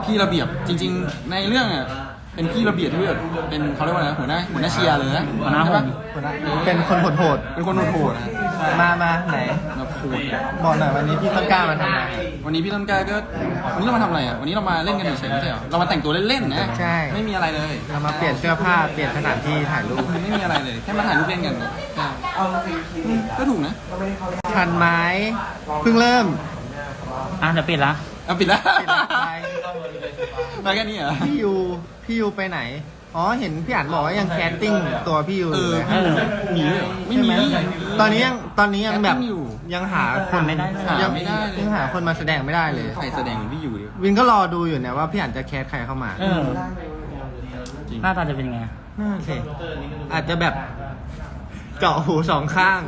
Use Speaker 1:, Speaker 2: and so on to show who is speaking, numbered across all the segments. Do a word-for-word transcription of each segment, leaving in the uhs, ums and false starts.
Speaker 1: พี่ระเบียบจริงๆในเรื่องอ่ะเป็นพี่ระเบียบที่แบบเป็นเขาเรียกว่าอะไรนะหัวหน้าหัวหน้าเชียร์เลยนะ
Speaker 2: หัวหน้า
Speaker 1: ใช่ปะ
Speaker 2: หัวหน้าเป็นคนโหด
Speaker 1: เป็นคนโหดๆนะ
Speaker 2: ๆมามาไหน
Speaker 1: มาพูดเนี่ย
Speaker 2: บอกหน่อยวันนี้พี่ต้นกล้ามาทำอะไร
Speaker 1: วันนี้พี่ต้นกล้าก็วันนี้เรามาทำอะไรอ่ะวันนี้เรามาเล่นกันเฉยๆไม่ใช่เหรอเรามาแต่งตัวเล่นๆนะ
Speaker 2: ใช่
Speaker 1: ไม่มีอะไรเลย
Speaker 2: เรามาเปลี่ยนเสื้อผ้าเปลี่ยนสถานที่ถ่ายรูป
Speaker 1: ไม่มีอะไรเลยแค่มาถ่ายรูปเล่นกันใช่อืมก็ถูกนะ
Speaker 2: ทันไหมเพิ่งเริ่ม
Speaker 3: อ่ะเดี๋ยวปิดละ
Speaker 1: เอาปิดแล้ว
Speaker 2: ปิดแล้วไป
Speaker 1: มาแค่นี้เหรอ
Speaker 2: พี่ยูพี่ยูไปไหนอ๋อเห็นพี่อ่านบอกว่ายังแคสติ้งตัวพี่ยู
Speaker 1: เอ
Speaker 2: อยู่
Speaker 1: อ
Speaker 2: เลย
Speaker 1: พี่มีด้วยเหรอไม่มี
Speaker 2: ใช่หตอนนี้ยังตอนนี้ยังแบบ
Speaker 1: แคสติ้งอยู่
Speaker 2: ยังหาคน
Speaker 3: ไม่ได้เลย
Speaker 2: ยัง
Speaker 1: หาไม่ได้เลย
Speaker 2: ยังหาคนมาแสดงไม่ได้เลย
Speaker 1: ใครแสดงเหมือนพี่อยู่ดิ
Speaker 2: วินก็รอดูอยู่เนี่ยว่าพี่อ่านจะแคสใครเข้ามา
Speaker 3: เออ
Speaker 1: จริง
Speaker 3: หน้าตาจะเป็นยังไง
Speaker 2: น่าสิอาจจะแบบเจาะหูสองข้าง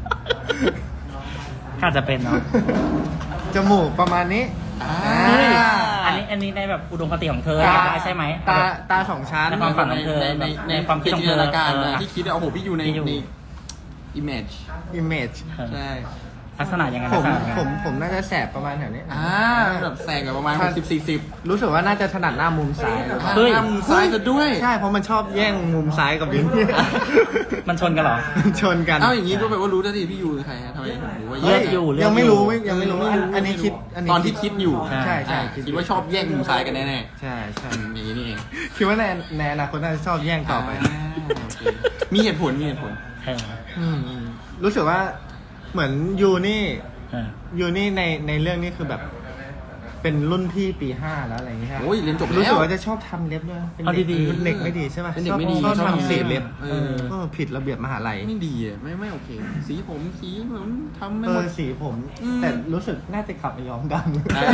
Speaker 3: ก็อาจจะเป็นเนาะ
Speaker 2: จมูกประมาณนี้
Speaker 1: อ่า
Speaker 3: เฮ้ยอันนี้อันนี้ในแบบอุดมคติของเธอ
Speaker 2: ตา
Speaker 3: ได้ใช่ไหม
Speaker 2: ตาตาสองชั้น
Speaker 3: ในความฝันของเธอ
Speaker 1: ในใน
Speaker 3: ในความคิดของ
Speaker 1: จิ
Speaker 3: เธ
Speaker 1: น
Speaker 3: อ
Speaker 1: ตนาการนะ
Speaker 3: เออ
Speaker 1: ที่คิดว่าโอ้โหพี่อยู่ใน
Speaker 3: พี่อยู่
Speaker 1: ใน image
Speaker 2: image
Speaker 3: เออ
Speaker 1: ใช่
Speaker 3: ลักษณะยังไง
Speaker 2: ผ
Speaker 3: ลัก
Speaker 2: ม
Speaker 3: ษณะยังไง
Speaker 2: ผมผมน่าจะแสบประมาณแถวนี้
Speaker 1: อ่าแบบแสงกับประมาณหกสิบสี่สิบ
Speaker 2: รู้สึกว่าน่าจะถนัดหน้ามุมซ้าย
Speaker 3: เฮ้ย
Speaker 1: ทำซ้ายซะด้วย
Speaker 2: ใช่เพราะมันชอบแย่งมุมซ้ายกับวิน
Speaker 3: มันชนกันเหรอ
Speaker 2: ชนกัน
Speaker 1: เอ้าอย่างนี้ก็แปลว่ารู้แล้วสิพี่ยูคือใครฮะทำไมถึงรู้ว่า
Speaker 3: เลื
Speaker 1: แย่
Speaker 3: อก
Speaker 1: ง
Speaker 3: อยู่เลือก
Speaker 2: ยังไม่
Speaker 3: อยู่
Speaker 2: รู้ไม่ยังไม่รู้อันอันนี้คิดอันนี้
Speaker 1: ตอนที่คิดอยู่
Speaker 3: ใช่
Speaker 2: ใช่ใช่
Speaker 1: อ่าคิดว่าชอบแย่งมุมซ้ายกันแน่
Speaker 2: ใช่ใช่
Speaker 1: ๆอืมอย่างนี้นี่เอง
Speaker 2: คิดว่าในในอนาคตน่าจะชอบแย่งต่อไป
Speaker 1: าโอเคมีเหตุผลมีเหตุผล
Speaker 3: เออ
Speaker 2: อืมอืมรู้สึกว่าเหมือนยูนี่
Speaker 3: เออ
Speaker 2: ยูนี่ในในเรื่องนี้คือแบบ เป็นรุ่นพี่ปีห้าแล้วอะไรอย่างเงี้ย
Speaker 1: โอ้ยเรียนจบ
Speaker 2: รู้
Speaker 1: แล้
Speaker 2: สึ
Speaker 1: ว
Speaker 2: กว่าจะชอบทำเล็บด้วยเป็น
Speaker 3: เอา
Speaker 2: เด็ก
Speaker 3: ดีๆ
Speaker 2: เป็นเด็กไม่ดีใช่ป่ะ
Speaker 1: เป็นเด็กไม่ดี
Speaker 2: ชอบ
Speaker 1: ชอบ
Speaker 2: ทำสีเล็บ
Speaker 1: เออ
Speaker 2: เออผิดระเบียบมหาลัย
Speaker 1: ไม่ดีอ่ะไม่ไม่โอเค สีผมสีเหมือนทำไม่
Speaker 2: เอ
Speaker 1: หม
Speaker 2: อ
Speaker 1: ด
Speaker 2: สีผม
Speaker 1: อืม
Speaker 2: แต่รู้สึกน่าจะกลับไปย้อมด
Speaker 1: ใช่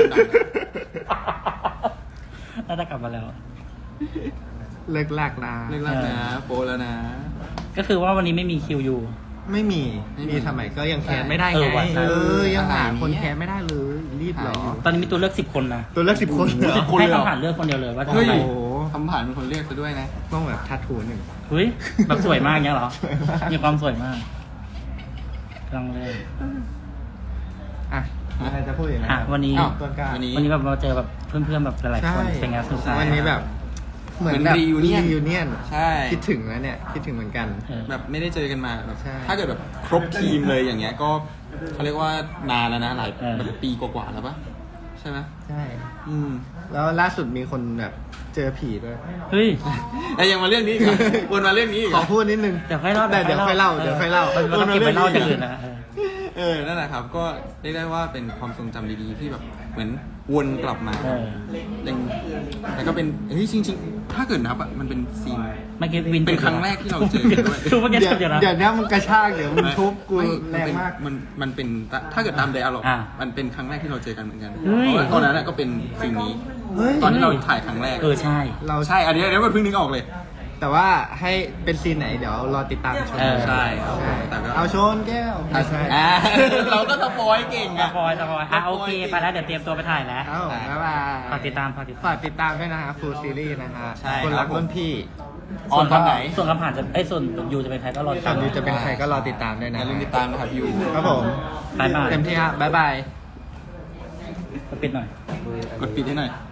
Speaker 2: ำ
Speaker 3: น่าจะกลับมาแล้ว
Speaker 2: เลิกลากนะ
Speaker 1: เลิกแล้วนะโปรแล้วนะ
Speaker 3: ก็คือว่าวันนี้ไม่มีคิวอยู่
Speaker 2: ไม่มี
Speaker 1: ไม่มี
Speaker 2: มีทำไมก็ยังแคสไม่ได้
Speaker 3: เอ
Speaker 2: ไง
Speaker 3: อว่ะใช่
Speaker 2: เออยังหา
Speaker 1: อะไรเนี่ย
Speaker 2: คนแคสไม่ได้เลยรีบเหรอ
Speaker 1: หาอยู่
Speaker 3: ตอนนี้มีตัวเลือกสิบคนนะ
Speaker 2: ตัวเลือกสิบคนเหรอ
Speaker 1: สิบ คนเลยเหรอ
Speaker 3: ให้คำผ่านเลือกคนเดียวเลยว่าจะ
Speaker 1: เฮ้ย
Speaker 3: ทำอะไร
Speaker 2: โอ้โห
Speaker 1: ทำผ่านเป็นคนเรียกซะด้วยนะ
Speaker 2: ต้องแบบทัดทูหนึ่ง
Speaker 3: เฮ้ยแบบสวยมากเงี้ยเหรอ
Speaker 2: สวยมาก
Speaker 3: มีความสวยมากลองเลย
Speaker 2: อ่ะอะไรจะพูดอีกนะ
Speaker 3: อ่ะวันนี้
Speaker 1: อ้าว
Speaker 2: ต้นกล้า
Speaker 1: วันนี้
Speaker 3: วันนี้แบบมาเจอแบบเพื่อนๆแบบหลายๆ
Speaker 2: ใช่
Speaker 3: คนเป็นไงสนุกสนาน
Speaker 2: วันนี้แบบ เหมือน
Speaker 1: เหมือน
Speaker 2: แบบ
Speaker 1: reunion
Speaker 2: ยูเนียน
Speaker 1: ใช่
Speaker 2: คิดถึงแล้วเนี่ย คิดถึงเหมือนกัน
Speaker 3: เออ
Speaker 1: แบบไม่ได้เจอกันมาแบบ
Speaker 2: ใช่
Speaker 1: ถ้าเกิดแบบครบทีมเลยอย่างเงี้ยก็เขาเรียกว่านานแล้วนะหลาย
Speaker 3: เออ
Speaker 1: แบบปีกว่าๆแล้วปะใช่ไหม
Speaker 2: ใช่
Speaker 1: อืม
Speaker 2: แล้วล่าสุดมีคนแบบเจอผีด้วย
Speaker 3: เฮ้ย
Speaker 1: แต่ยังมาเรื่องนี้อีกเหรอวนมาเรื่องนี้อีกเห
Speaker 2: ข
Speaker 1: ร
Speaker 2: อ
Speaker 1: อ
Speaker 2: พูดนิดนึง
Speaker 3: เดี๋ยวค่อยเล่า
Speaker 2: แต่เดี๋ยวค่อยเล่าเดี๋ยวค่อยเล่า
Speaker 3: มันมันต้องเก็บไว้เล่าอย่างอื่นนะเออ
Speaker 1: เออนั่นแหละครับ ก็เรียกได้ว่าเป็นความทรงจำดีๆที่แบบเหมือนวนกลับมา
Speaker 3: เออ
Speaker 1: ยังแล้วก็เป็นเฮ้ยจริงๆ ถ้าเกิดนับอ่ะมันเป็นซีน
Speaker 3: เมื่อกี้วิน
Speaker 1: เป็นครั้งแรกที่เราเจอกันด้วย
Speaker 3: ทุกเมื่อกี้
Speaker 2: เดี๋ยว
Speaker 3: เดี๋ยวนะ
Speaker 2: เดี๋ยวนี้มึงกระชากเดี๋ยวมึงทุบกู
Speaker 1: ไม่
Speaker 2: แรงมาก
Speaker 1: มันมันเป็นถ้าเกิดตามไดอะล็อก
Speaker 3: อ่า
Speaker 1: มันเป็นครั้งแรกที่เราเจอกันเหมือนกัน
Speaker 3: เฮ้ย
Speaker 1: เพราะว่าตอนนั้นอะก็เป็นสิ่งนี้
Speaker 2: เฮ้ย
Speaker 1: ตอนที่เราถ่ายครั้งแรก
Speaker 3: เออใช่
Speaker 2: เรา
Speaker 1: ใช่ อันนี้อันนี้มันเพิ่งนึกออกเลย
Speaker 2: แต่ว่าให้เป็นซีนไหนเดี๋ยวรอติดตามชม
Speaker 3: เออ
Speaker 1: ใช่ครับ
Speaker 2: ใช่
Speaker 1: แต่ก็
Speaker 2: เอาชนแก้วไม่ใช่
Speaker 1: อ่าเราก็สปอยเก่ง
Speaker 3: ส
Speaker 1: อะ
Speaker 3: ปอยสปอยอ่ะโอเคไปแล้วเดี๋ยวเตรียมตัวไปถ่ายแล้ว
Speaker 2: เอ้าบ๊ายบาย
Speaker 3: ฝากติดตามฝากติดตาม
Speaker 2: ฝากติดตามด้วยนะฮะฟูลซีรีส์นะฮะ
Speaker 1: ใช่
Speaker 2: คนรักรุ่นพี่
Speaker 1: ออนตอนไหน
Speaker 3: ส่วนคำผ่านจะไอ้ยส่วนยูจะเป็นใครก็รอติด
Speaker 2: ตอ
Speaker 3: ตาน ม
Speaker 2: นี้จะเป็นใครก็รอติดตามด้วย
Speaker 1: อ
Speaker 2: นะ
Speaker 1: ย่าลืมติดตามนะครับยู
Speaker 2: ครับผม
Speaker 3: บายบาย
Speaker 2: เต็มที่ฮะบ๊ายบาย
Speaker 3: ปิดหน่อย
Speaker 1: กดปิดให้หน่อย